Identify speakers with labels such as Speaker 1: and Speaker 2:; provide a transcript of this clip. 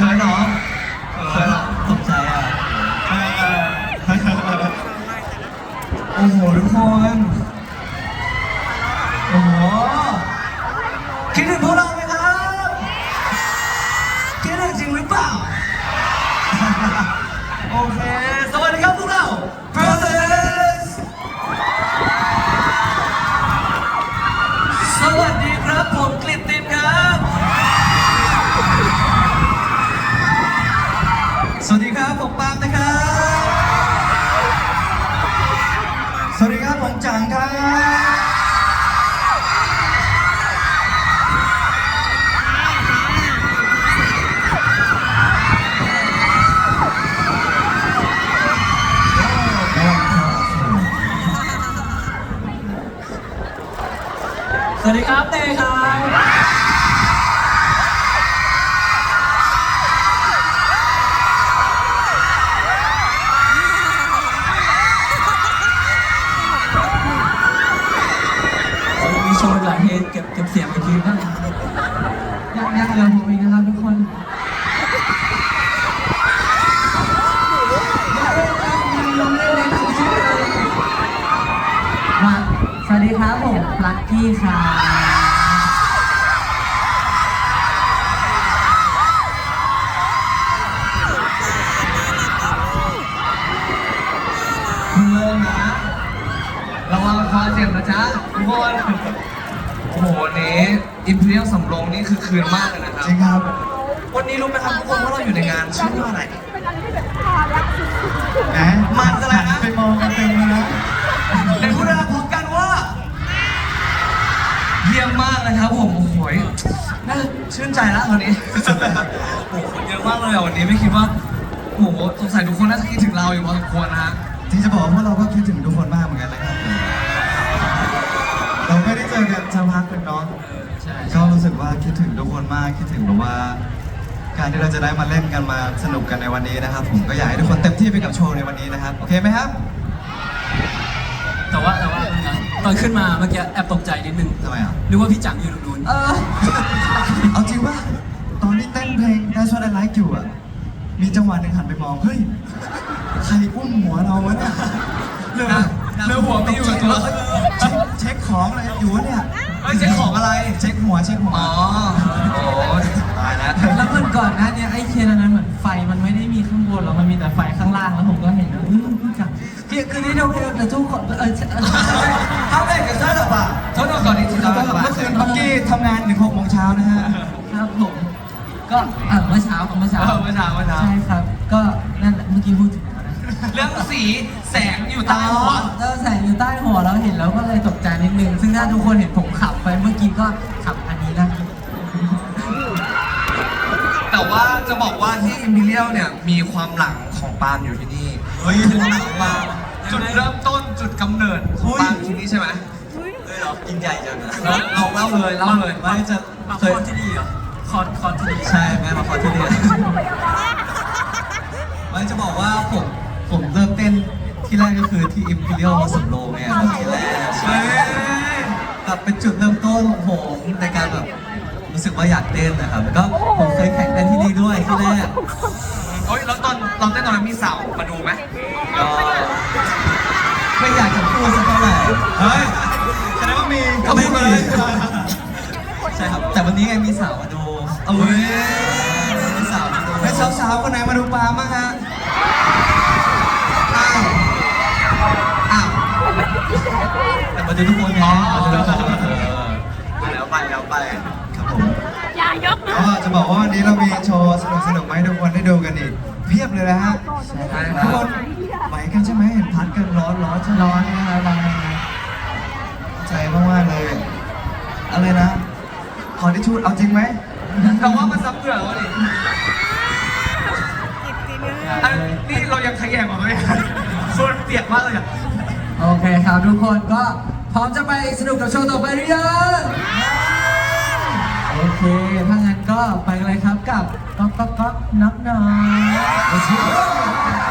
Speaker 1: ขินเหรอเขินตกใจอ่ะโอ้โหทุกคนโอ้โหคิดถึงพวกเราไหมครับคิดถึงจริงหรือเปล่าโอเคสวัสดีครับพวกเรา Brothers สวัสดีครับผมกฤตตินครับสวัสดีครับผมปาล์มนะครับสวัสดีครับผมจังครับสวัสดีครับเต้ครับมีโชว์หลายเฮดเก็บเสียงไปทีนะยังเหลือผมอีกนะครับทุกคน
Speaker 2: สวัสดีครับผมลัคกี้ค่ะ
Speaker 1: เริ่มนะระวังคอเจ็บนะจ๊ะทุกคนโอ้โหวันนี้อิมพีเรียลสำโรงนี่คือคืนมากเลยนะครับจริงครับวันนี้รู้ไหมครับทุกคนว่าเราอยู่ในงานชื่อว่าอะไรมันอะไรนะไปมองกันเต็มเลยนะในพูดเราพบกันว่าเยี่ยมมากนะครับผมโอ้โหน่าชื่นใจแล้วตอนนี้โอ้โหคนเยอะมากเลยวันนี้ไม่คิดว่าโอ้โหสงสัยทุกคนน่าจะคิดถึงเราอยู่พอสมควรนะฮะที่จะบอกว่าเราก็คิดถึงทุกคนมากเหมือนกันนะครับเราไม่ได้เจอกันสักพักเป็นน้องก็รู้สึกว่าคิดถึงทุกคนมากคิดถึงแบบว่าการที่เราจะได้มาเล่นกันมาสนุกกันในวันนี้นะครับผมก็อยากให้ทุกคนเต็มที่ไปกับโชว์ในวันนี้นะครับโอเคไหมครับ
Speaker 3: แต่ว่าตอนขึ้นมาเมื่อกี้แอบตกใจนิดนึง
Speaker 1: ทำไมอ่ะ
Speaker 3: นึกว่าพี่จังอยู่ตรงนู้น
Speaker 1: เอาจริงป่ะตอนที่เต้นเพลง That's What I Like อยู่อ่ะมีจังหวะหนึ่งหันไปมองเฮ้ยใครอุ้มหัวเราวะเนี่ยเรือหัวไม่อยู่กับตัวเช็คของอะไรอยู่วะเนี่ยเช็คของอะไรเช็คหัวอ๋อโอ้ตายแล้ว
Speaker 2: แล้วเมื่อก่อนหน้านี้ไอ้เคนอันนั้นเหมือนไฟมันไม่ได้มีข้างบนหรอกมันมีแต่ไฟข้างล่างแล้วผมก็เห็นว่าพี่จังคือที่เราแต่ทุกคน
Speaker 1: ทำได้กับเธอหรอปะเธอก่อนนี้เมื่อคืนพักกี้ทำงานถึง6 โมงเช้านะฮะ
Speaker 2: ครับผมก็เมื่อเช้าใช่ครับก็นั่นแหละเมื่อกี้พูดถึง
Speaker 1: เรื่องสีแสงอยู่ใต้หัว
Speaker 2: แสงอยู่ใต้หัวเราเห็นแล้วก็เลยตกใจนิดนึงซึ่งถ้าทุกคนเห็นผมขับไปเมื่อกี้ก็ขับอันนี้นะ
Speaker 1: แต่ว่าจะบอกว่าที่อิมพีเรียลเนี่ยมีความหลังของปาล์มอยู่ที่นี่เฮ้ยถึงหลังปาล์มจุดเริ่มต้นจุดกำเนิดของปาล์มที่นี่ใช่ไหมเลยเหรอยิ่งใหญ่จังนะเราเล่าเลยไม่จะ
Speaker 3: เคยคอนที่ดีเหรอคอนที่ดี
Speaker 1: ใช่แม่มาคอนที่ดีไม่จะบอกว่าผมเริ่มเต้นที่แรกก็คือที่อิมพีเรียลมาสำโรงเนี่ยที่แรกใช่แบบเป็นจุดเริ่มต้นของผมในการแบบรู้สึกว่าอยากเต้นนะครับแล้วก็ผมเคยแข่งเต้นที่นี่ด้วยที่แรกเฮ้ยแล้วตอนเราเต้นตอนนั้นมีสาวมาดูไหมก็ไม่อยากจะพูดสักเท่าไหร่เฮ้ยแสดงว่ามีก็ไม่มีใช่ครับแต่วันนี้ไงมีสาวมาดูเอ้ยมีสาวมาดูแล้วสาวๆคนไหนมาดูปาล์มบ้างฮะแต่มาดูทุกคนไงแล้วไปครับผม
Speaker 4: อย่ายกนะ
Speaker 1: ก็จะบอกว่าวันนี้เรามีโชว์สนุกๆมาให้ทุกคนได้ดูกันอีกเพียบเลยนะฮะทุกคนไหวกันใช่ไหมเห็นพัดกันร้อนนะครับร้อนใจมากๆเลยอะไรนะขอทิชชู่เอาจริงไหมเราว่ามันซับเกลือวะดินี่เรายังขยแยงออกไหมส่วนเปียกมากเลยอ่ะ
Speaker 2: โอเคครับทุกคนก็พร้อมจะไปสนุกกับโชว์ต่อไปหรือยังโอเคถ้างั้นก็ไปกันเลยครับกับก๊อกน็อก